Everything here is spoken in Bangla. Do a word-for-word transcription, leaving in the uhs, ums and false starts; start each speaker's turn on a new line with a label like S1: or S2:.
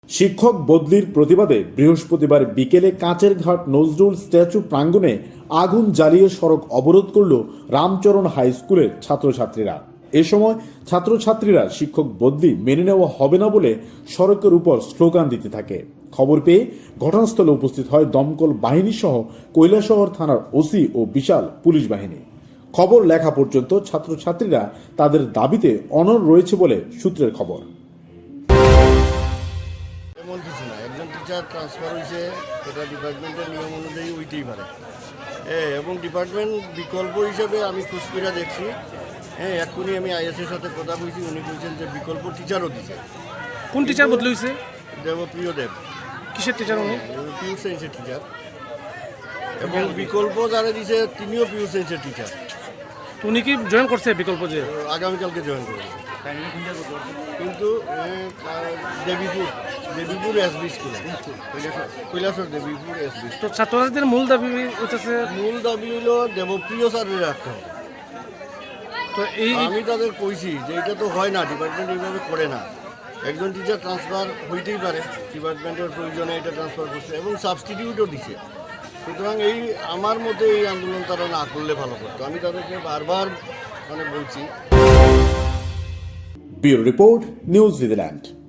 S1: শিক্ষক বদলির প্রতিবাদে বৃহস্পতিবার বিকেলে কাঁচের ঘাট নজরুল স্ট্যাচু প্রাঙ্গণে আগুন জ্বালিয়ে সড়ক অবরোধ করল রামচরণ হাই স্কুলের ছাত্রছাত্রীরা। এ সময় ছাত্রছাত্রীরা শিক্ষক বদলি মেনে নেওয়া হবে না বলে সড়কের উপর স্লোগান দিতে থাকে। খবর পেয়ে ঘটনাস্থলে উপস্থিত হয় দমকল বাহিনী সহ কৈলাসহর থানার ওসি ও বিশাল পুলিশ বাহিনী। খবর লেখা পর্যন্ত ছাত্রছাত্রীরা তাদের দাবিতে অনড় রয়েছে বলে সূত্রের খবর।
S2: এমন কিছু না, একজন টিচার ট্রান্সফার হয়েছে, এটা ডিপার্টমেন্টের নিয়ম অনুযায়ী হইতেই পারে। হ্যাঁ, এবং ডিপার্টমেন্ট বিকল্প হিসেবে আমি খুশকিরা দেখছি। হ্যাঁ, এক্ষুনি আমি আইএসের সাথে কথা বলছি, উনি বলছেন যে বিকল্প টিচারও দিচ্ছে।
S3: কোন টিচার বদলে হয়েছে?
S2: দেবপ্রিয় দেব।
S3: কিসের টিচার উনি?
S2: পিউ সায়েন্সের টিচার। এবং বিকল্প যারা দিছে তিনিও পিউ সায়েন্সের টিচার।
S3: উনি কি জয়েন করছে বিকল্প? যে
S2: আগামীকালকে জয়েন করবে, কিন্তু দেবীপুর দেবীপুর এসবি স্কুলে, কৈলাসর দেবীপুর এসবি।
S3: তো ছাত্রছাত্রীদের মূল দাবি হচ্ছে,
S2: মূল দাবি হলো দেবপ্রিয় স্যারের রাখতে হবে।
S3: তো এই
S2: আমি তাদের কইছি যে এটা তো হয় না, ডিপার্টমেন্ট এইভাবে করে না। একজন টিচার ট্রান্সফার হইতেই পারে, ডিপার্টমেন্টের প্রয়োজনে এটা ট্রান্সফার করছে এবং সাবস্টিটিউটও দিছে। সুতরাং এই আমার মতে এই আন্দোলন তারা না করলে ভালো করতো। আমি তাদেরকে বারবার মানে বলছি।
S1: Bureau report, news New Zealand.